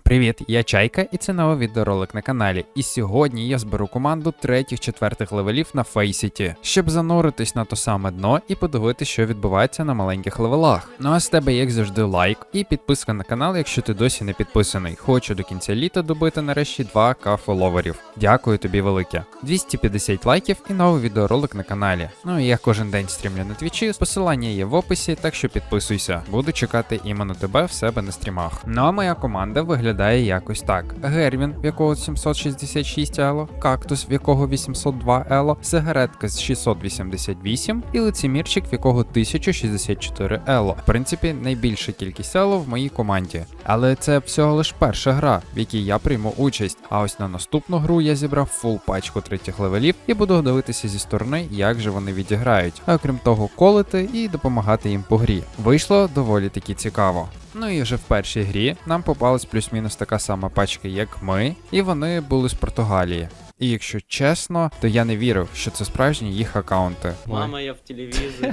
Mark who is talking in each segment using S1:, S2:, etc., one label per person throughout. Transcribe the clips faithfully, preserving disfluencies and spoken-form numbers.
S1: Привіт, я Чайка, і це новий відеоролик на каналі. І сьогодні я зберу команду третіх-четвертих левелів на Фейсіті, щоб зануритись на то саме дно і подивитися, що відбувається на маленьких левелах. Ну а з тебе, як завжди, лайк і підписка на канал, якщо ти досі не підписаний. Хочу до кінця літа добити нарешті два ка фоловерів. Дякую тобі велике. двісті п'ятдесят лайків і новий відеоролик на каналі. Ну і я кожен день стрімлю на твічі, посилання є в описі, так що підписуйся. Буду чекати іменно тебе в себе на стрімах. Ну а моя команда виглядає Виглядає якось так: Гервін, в якого сімсот шістдесят шість ело, Кактус, в якого вісімсот два ело, Сигаретка з шістсот вісімдесят вісім і Лицемірчик, в якого тисяча шістдесят чотири ело. В принципі, найбільша кількість ело в моїй команді. Але це всього лиш перша гра, в якій я прийму участь. А ось на наступну гру я зібрав фул пачку третіх левелів і буду дивитися зі сторони, як же вони відіграють. А окрім того, колити і допомагати їм по грі. Вийшло доволі таки цікаво. Ну і вже в першій грі нам попалась плюс-мінус така сама пачка, як ми, і вони були з Португалії. І якщо чесно, то я не вірив, що це справжні їх аккаунти.
S2: Мама, я в телевізорі.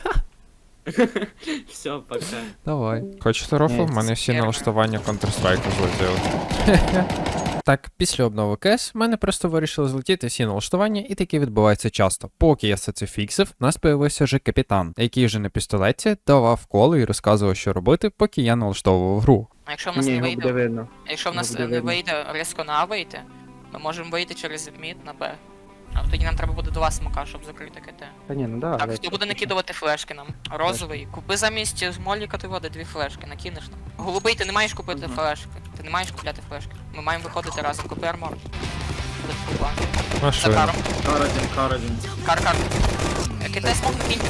S2: Все, пока.
S1: Давай. Хочете рофл? В мене всі налаштування Counter-Strike злетіли. Так, після обнови кес в мене просто вирішили злетіти всі налаштування, і таке відбувається часто. Поки я все це фіксив, в нас появився вже капітан, який вже на пістолеті давав коло і розказував, що робити, поки я налаштовував гру.
S3: А якщо в нас
S4: Ні,
S3: не
S4: його буде
S3: вийде,
S4: видно.
S3: якщо в нас
S4: буде
S3: не
S4: видно.
S3: вийде різко на А вийти, ми можемо вийти через мід на Б. А тоді нам треба буде два смока, щоб закрити КТ.
S4: Та ні, ну да.
S3: Так,
S4: але-
S3: хто буде накидувати флешки нам? Розовий. Купи замість Смоліка ти води дві флешки, накинеш нам. Голубий, ти не маєш купити флешки. Ти не маєш купляти флешки. Ми маємо виходити разом. Купи армор. Буде купа. За
S1: Машина.
S3: каром.
S2: Кар один, кар один.
S3: Кар, кар. КТ смок накиньте.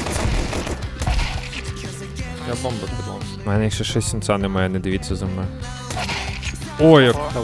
S1: Я бомбу підлом. У мене ще шість сенца немає, не дивіться за мною. Ой, як
S3: О,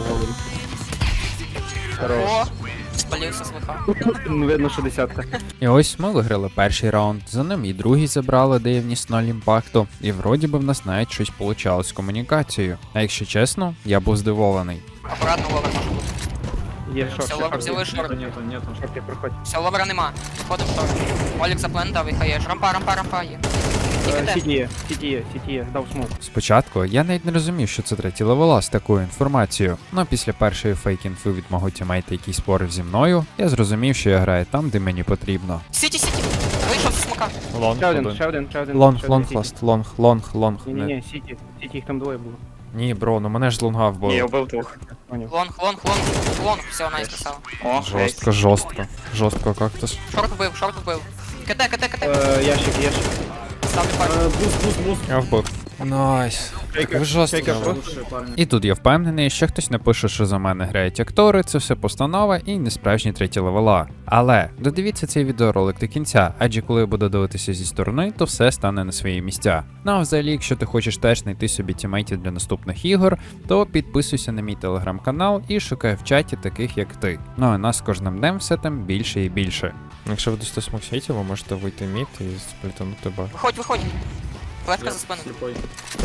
S4: Хорош.
S3: о, спалився з лиха.
S4: Ну, видно, що десятка.
S1: І ось ми виграли перший раунд, за ним і другий забрали, де є вніс ноль імпакту, і вроді би в нас навіть щось получалось з комунікацією. А якщо чесно, я був здивований.
S3: Акуратно ловер може бути.
S4: Є шорт.
S3: Все, ловер взяли шорт.
S2: Нету, нету, нету.
S4: Шорти, проходь.
S3: Все, ловера нема. Виходимо в торт. Олік заплентав і хаєш. Рампа, рампа, рампа є. І
S4: Е,
S3: КТ.
S4: Сіті є, сіті є, сіті є, дав смок.
S1: Спочатку я навіть не розумів, що це треті левела з такою інформацією, але після першої фейк-інфи від мого тімейта, який спорив зі мною, я зрозумів, що я граю там, де мені потрібно.
S3: Сіті, сіті. Вийшов зі смока.
S1: Лонг,
S4: Ще один, ще один, ще один.
S1: лонг,
S4: ще
S1: лонг,
S4: один
S1: ласт, лонг, лонг, лонг.
S4: Ні, ні, ні, сіті. Сіті, їх там двоє було.
S1: Ні, бро, ну мене ж з лонга вбили.
S4: вбив двох. Поняв.
S3: Лонг, лонг, лонг, лонг. Все, найс писав.
S1: Жорстко, жорстко. Жорстко кактус.
S3: Шорт вбив, шорт вбив. КТ, КТ, КТ.
S4: Е, Ящик, ящик.
S3: Ставлю
S2: Е,
S3: пальці.
S2: Буст, буст, буст.
S1: Я вбив. Найс.
S4: Чайка,
S1: Ви жорстко.
S4: чайка,
S1: грали.
S2: Лучшие парни.
S1: І тут я впевнений, що хтось напише, що за мене грають актори, це все постанова і не справжні треті левела. Але додивіться цей відеоролик до кінця, адже коли я буду дивитися зі сторони, то все стане на свої місця. Ну а взагалі, якщо ти хочеш теж знайти собі тімейтів для наступних ігор, то підписуйся на мій телеграм-канал і шукай в чаті таких як ти. Ну а нас з кожним днем все там більше і більше. Якщо ви дасте смоксейті, ви можете вийти мід і сплітанути бак.
S3: Виходь, виходь. Флешка
S2: Я
S3: за спину.
S2: слепой.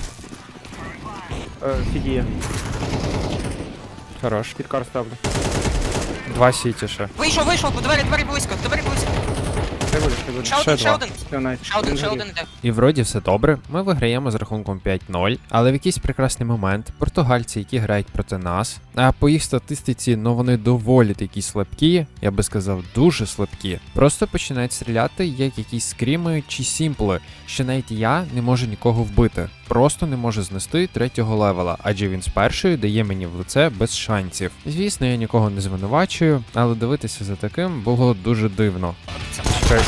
S4: Е, Сіті є.
S1: Хорош.
S4: Під кар ставлю.
S1: Два сіті ще.
S3: Вийшов, вийшов, по двері, двері близько, двері близько.
S4: Ще буде, ще буде.
S3: Ще
S1: Ще
S3: один, ще
S1: два.
S3: один.
S4: Все, найс.
S3: Ще один, ще
S4: горів.
S3: один іде.
S1: І вроді все добре, ми виграємо з рахунком п'ять нуль, але в якийсь прекрасний момент португальці, які грають проти нас, а по їх статистиці, ну вони доволі такі слабкі, я би сказав, дуже слабкі, просто починають стріляти як якісь скріми чи сімпли, що навіть я не можу нікого вбити, просто не можу знести третього левела, адже він з першої дає мені в лице без шансів. Звісно, я нікого не звинувачую, але дивитися за таким було дуже дивно.
S3: Це
S1: Чекай.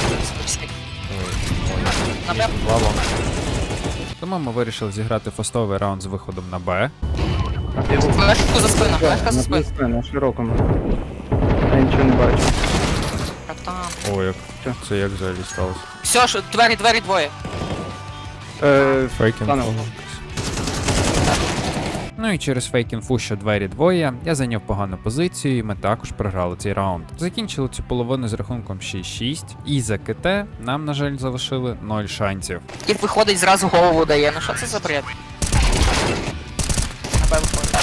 S3: На Б.
S1: Тому ми вирішили зіграти фастовий раунд з виходом на Б.
S4: А ти його-
S3: Флешку за спину, флешка за
S4: На
S3: спину.
S4: спину, на широкому. Я нічого не бачу.
S3: Братан.
S1: Ой, як
S4: Що?
S1: це як взагалі сталося?
S3: Все, що, двері, двері двоє.
S4: Е,
S1: Фейкінг.
S4: Стану.
S1: Ну і через фейк-інфу, що двері двоє, я зайняв погану позицію, і ми також програли цей раунд. Закінчили цю половину з рахунком шість шість, і за КТ нам, на жаль, залишили нуль шансів.
S3: І виходить, зразу голову дає. Ну що це за бред? На Б виходить.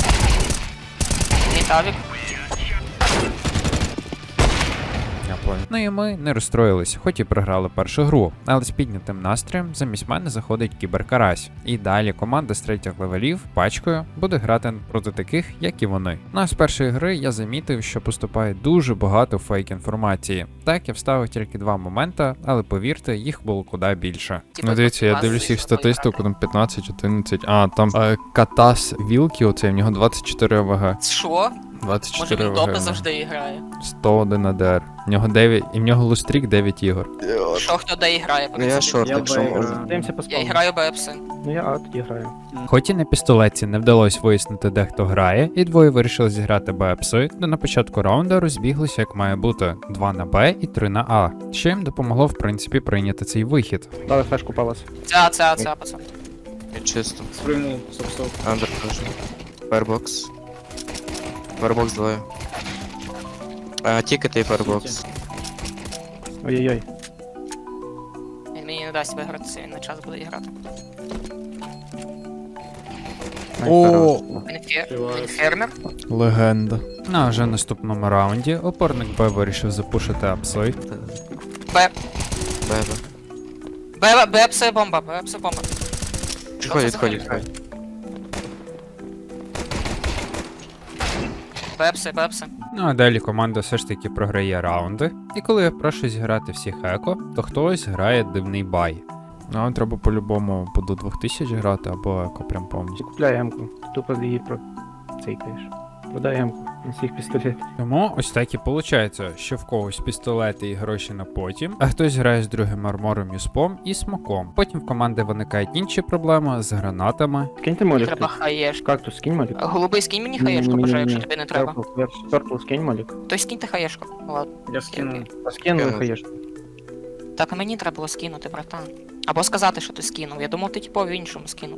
S3: Мій тавік.
S1: Я понял. Ну і ми не розстроїлись, хоч і програли першу гру, але з піднятим настроєм замість мене заходить кіберкарась. І далі команда з третіх левелів пачкою буде грати проти таких, як і вони. Ну а з першої гри я замітив, що поступає дуже багато фейк інформації. Так, я вставив тільки два моменти, але повірте, їх було куди більше.
S3: Типа,
S5: Ну дивіться, я
S3: класи,
S5: дивлюсь їх
S3: що
S5: статистику, там п'ятнадцять, одинадцять. А, там е, Катас Вілкі, оцей, в нього двадцять чотири АВГ.
S3: Що?
S5: двадцять
S3: Може
S5: чотири
S3: він допи
S5: АВГ.
S3: завжди грає?
S5: сто один АДР. В нього дев'ять, і в нього лустрік дев'ять ігор.
S3: Що хто де грає?
S6: Ну я шорт,
S2: Я
S6: якщо
S2: Б
S6: можна.
S2: граю.
S4: Даємося по
S3: Я
S4: спавну.
S3: граю БЕПСи.
S4: Ну я А тоді граю.
S1: Хоч і на пістолетці не вдалося вияснити, де хто грає, і двоє вирішили зіграти БЕПСи, то на початку раунду розбіглися як має бути: два на Б і три на А, що їм допомогло в принципі прийняти цей вихід.
S4: Дали флешку палас.
S3: Це, це, це, пацан.
S6: Чисто.
S2: Спрыгнул, стоп-стоп.
S6: Андер теж. Фаербокс. Фаербокс двоє. А, тікети і фаербокс.
S4: Ой-ой-ой.
S3: Він мені не дасть виграти, він на час буде грати.
S5: О,
S3: Він, фер...
S2: Співаю.
S3: він фермер.
S5: легенда.
S1: Ну а вже в наступному раунді опорник Б вирішив запушити апси.
S3: Б.
S6: Бебе.
S3: Б, БЕПСи бомба, БЕПСи бомба.
S6: Відходь, відходь, відходь.
S3: БЕПСи, БЕПСи.
S1: Ну а далі команда все ж таки програє раунди. І коли я прошу зіграти всіх еко, то хтось грає дивний бай.
S5: Ну, вам треба по-любому по до двох тисяч грати, або еко прям
S4: Ти
S5: повністю.
S4: купляй М-ку. Тупо її про цейкаєш. Продай М-ку на всіх пістолетів.
S1: Тому ось так і виходить, що в когось пістолети і гроші на потім, а хтось грає з другим армором, юспом і смоком. Потім в команди виникають інші проблеми з гранатами.
S4: Скиньте молік.
S3: Треба хаєшку.
S4: Кактус, скинь молік.
S3: Голубий, скинь мені хаєшку, бажаю, якщо тобі не треба.
S4: Перпл, скинь молік.
S3: То скиньте хаєшку. Ладно.
S2: Я скинул.
S4: Скинули
S6: Скину.
S4: хаєшку.
S3: Так а мені треба було скинути, братан. Або сказати, що ти скинув. Я думав, ти типу в іншому скинув.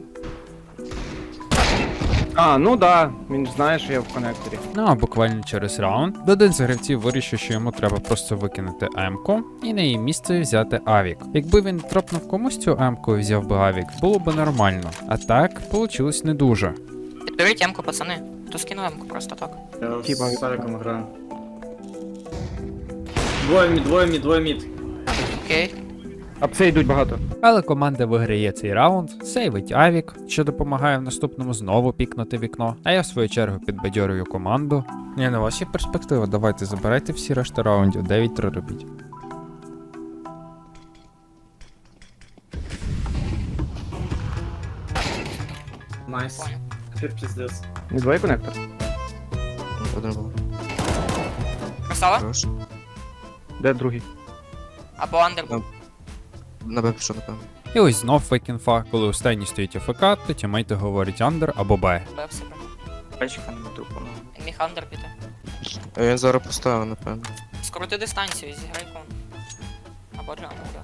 S4: А, ну да, він ж знає, що я в коннекторі.
S1: Ну а буквально через раунд один з гравців вирішив, що йому треба просто викинути М-ку і на її місце взяти Авік. Якби він тропнув комусь цю М-ку і взяв би Авік, було б нормально. А так, вийшло не дуже.
S3: Підберіть М-ку, пацани. То скину М-ку просто так.
S2: Я
S4: Типа-
S2: с Сариком играю. Двое мид, двое мид, двое мид.
S3: Окей.
S4: Апси йдуть багато.
S1: Але команда виграє цей раунд, сейвить Авік, що допомагає в наступному знову пікнути вікно. А я в свою чергу підбадьорюю команду.
S5: Ні, ну у вас є перспектива, давайте забирайте всі решта раундів, дев'ять три робіть.
S2: Найс.
S3: Понял.
S2: Теперь пиздец.
S4: Не двоє коннектор.
S6: Один був.
S3: Красава?
S6: Хорош.
S4: Де другий?
S3: Або андер був.
S6: На Б пішов, напевно.
S1: І ось знов фейк-інфа, коли останній стоїть АФК, то тімейти говорять андер або Б.
S3: БЕПСи прям.
S2: Пачка на мету, по-моему.
S3: Він міг андер піти.
S6: Е, Він зараз поставив, напевно.
S3: Скрути дистанцію, зіграй кон. Або джангл, да.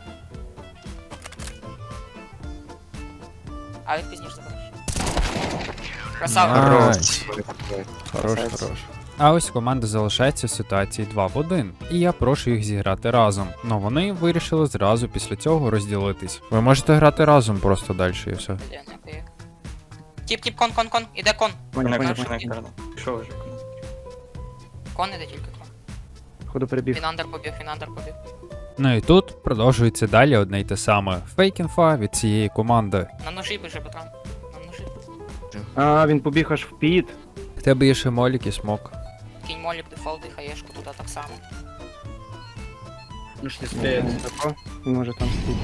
S3: А він пізніше забереш. Красава.
S1: Найс.
S6: Хорош.
S5: Хорош,
S6: Красавець.
S5: хорош.
S1: А ось команда залишається в ситуації два в один, і я прошу їх зіграти разом. Но вони вирішили зразу після цього розділитись.
S5: Ви можете грати разом просто далі і все.
S3: Блін, як як. Тіп, тіп, кон, кон, кон. Іде кон.
S4: Поняв, поняв,
S3: Коннектор,
S4: поняв.
S3: коннектор.
S2: Шо уже?
S3: Кон іде тільки кон.
S4: Ходу перебіг.
S3: Він андер побіг, він андер побіг.
S1: Ну і тут продовжується далі одне й те саме. Фейк-інфа від цієї команди.
S3: На ножі біжи, Петро. На ножі.
S4: А, він побіг аж в піт.
S1: В тебе є ще молік і смок.
S3: Кінь молік, дефолт і хаєшку туди так само.
S2: Ну ж не успеет.
S4: Тако. Він може там стоїть.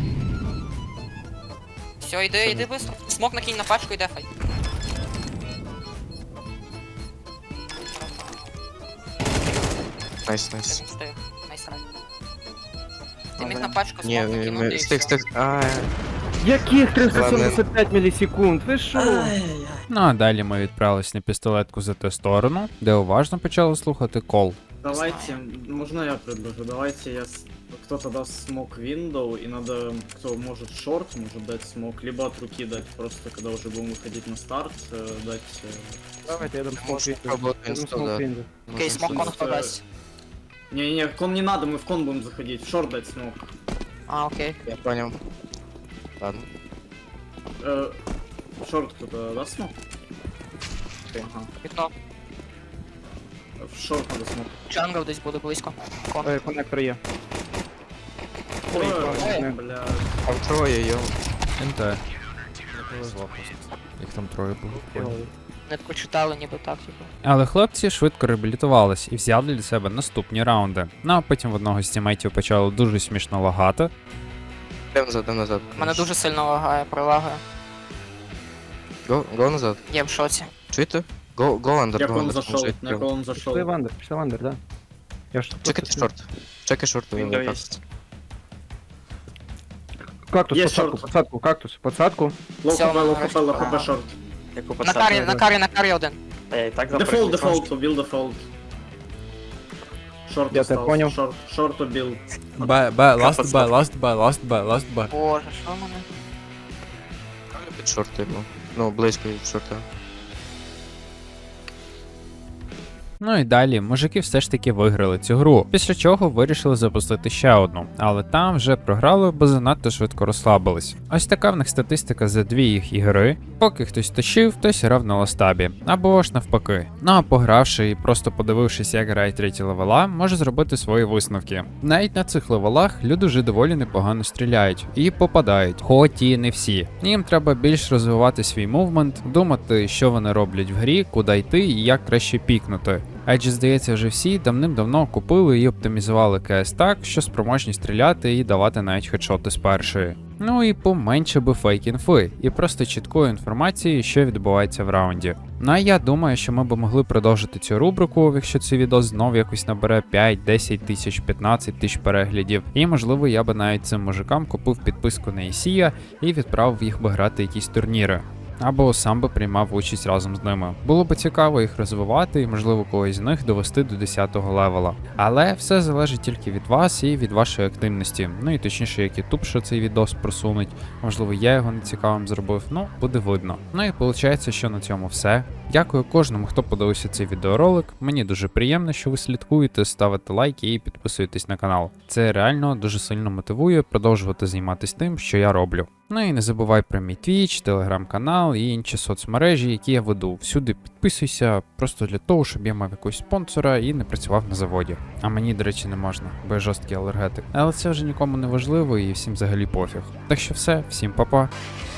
S3: Все, йди, йди быстро. Смок накинь на пачку і дефай.
S6: Найс, найс.
S3: Він встиг. Найс рай. Ти міг на пачку
S6: Ні,
S3: смок накинути
S6: ми-
S3: і
S6: стик,
S3: все.
S6: стик. А,
S4: Яких триста сімдесят п'ять мілісекунд? Ви що?
S1: Ну а далі ми відправились на пістолетку за ту сторону, де уважно почали слухати кол.
S2: Давайте, можно я предложу? Давайте я... с- Кто-то даст смок window, и надо, кто может шорт, может дать смок, либо от руки дать, просто когда уже будем выходить на старт, э, дать... э,
S4: Давайте, я дам смок
S6: Можна
S4: вінду.
S6: пробувати
S4: Я дам
S6: інсту,
S4: смок
S6: да.
S4: вінду.
S3: Окей, смок кон
S2: Просто-
S3: хто дасть.
S2: Не-не, в кон не надо, мы в кон будем заходить, в шорт дать смок.
S3: А, окей.
S6: Я понял. Ладно.
S2: Э, шорт кто-то даст смок? Ага.
S3: Вікно.
S2: В шорт надо смок.
S3: Джангл десь буде близько. Кон.
S4: Ой, коннектор є.
S2: Ой,
S4: ой.
S2: бля.
S6: Там троє, йо.
S5: НТ. Не повезло просто. Їх там троє було.
S3: Не прочитали ніби так, типу.
S1: Але хлопці швидко реабілітувались і взяли для себе наступні раунди. Ну а потім в одного з тімейтів почало дуже смішно лагати.
S6: Йдем назад, йдем назад.
S3: Мене дуже сильно лагає, прилагає.
S6: Го, го назад.
S3: Я в шоці.
S6: Чуєте? Го, го андер,
S2: Як
S6: го
S2: он
S6: андер.
S2: зашел, як он зашел.
S4: Пішли в андер, пішли в андер, да. Я ж
S6: Чекайте шорт. Чекай шорт. він
S2: Віндоу
S6: так.
S2: есть.
S4: Кактус,
S2: Є
S4: подсадку,
S2: шорт.
S4: подсадку, кактус, подсадку.
S2: Лоу
S3: Всё,
S2: хп, лоу
S3: нарешті.
S2: хп, лоу хп, шорт.
S3: На карі, на карі, на карі один.
S2: Дефолт, дефолт, убил дефолт. Шорт
S4: Я тебя
S2: остался,
S4: понял.
S2: Шорт, шорт убил.
S5: Б, Б, ласт Б, ласт Б, ласт Б, ласт Б.
S3: Боже, що в мене?
S6: Під шорт, типу. Ну, близько від шорта.
S1: Ну і далі мужики все ж таки виграли цю гру, після чого вирішили запустити ще одну, але там вже програли, бо занадто швидко розслабились. Ось така в них статистика за дві їх ігри. Поки хтось точив, хтось грав на ластабі, або ж навпаки. Ну а погравши і просто подивившись, як грають треті левела, може зробити свої висновки. Навіть на цих левелах люди вже доволі непогано стріляють і попадають, хоч і не всі. Їм треба більш розвивати свій мувмент, думати, що вони роблять в грі, куди йти і як краще пікнути. Адже, здається, вже всі давним-давно купили і оптимізували КС так, що спроможні стріляти і давати навіть хедшоти з першої. Ну і поменше би фейк-інфи, і просто чіткої інформації, що відбувається в раунді. Ну а я думаю, що ми б могли продовжити цю рубрику, якщо цей відео знов якось набере п'ять, десять тисяч, п'ятнадцять тисяч переглядів. І можливо я би навіть цим мужикам купив підписку на Ісія і відправив їх би грати якісь турніри. Або сам би приймав участь разом з ними. Було б цікаво їх розвивати і, можливо, когось з них довести до десятого левела. Але все залежить тільки від вас і від вашої активності. Ну і точніше, як YouTube що цей відос просунуть. Можливо, я його нецікавим зробив, ну, буде видно. Ну і виходить, що на цьому все. Дякую кожному, хто подивився цей відеоролик. Мені дуже приємно, що ви слідкуєте, ставите лайки і підписуєтесь на канал. Це реально дуже сильно мотивує продовжувати займатися тим, що я роблю. Ну і не забувай про мій Twitch, телеграм-канал і інші соцмережі, які я веду. Всюди підписуйся, просто для того, щоб я мав якогось спонсора і не працював на заводі. А мені, до речі, не можна, бо я жорсткий алергетик. Але це вже нікому не важливо і всім взагалі пофіг. Так що все, всім па-па.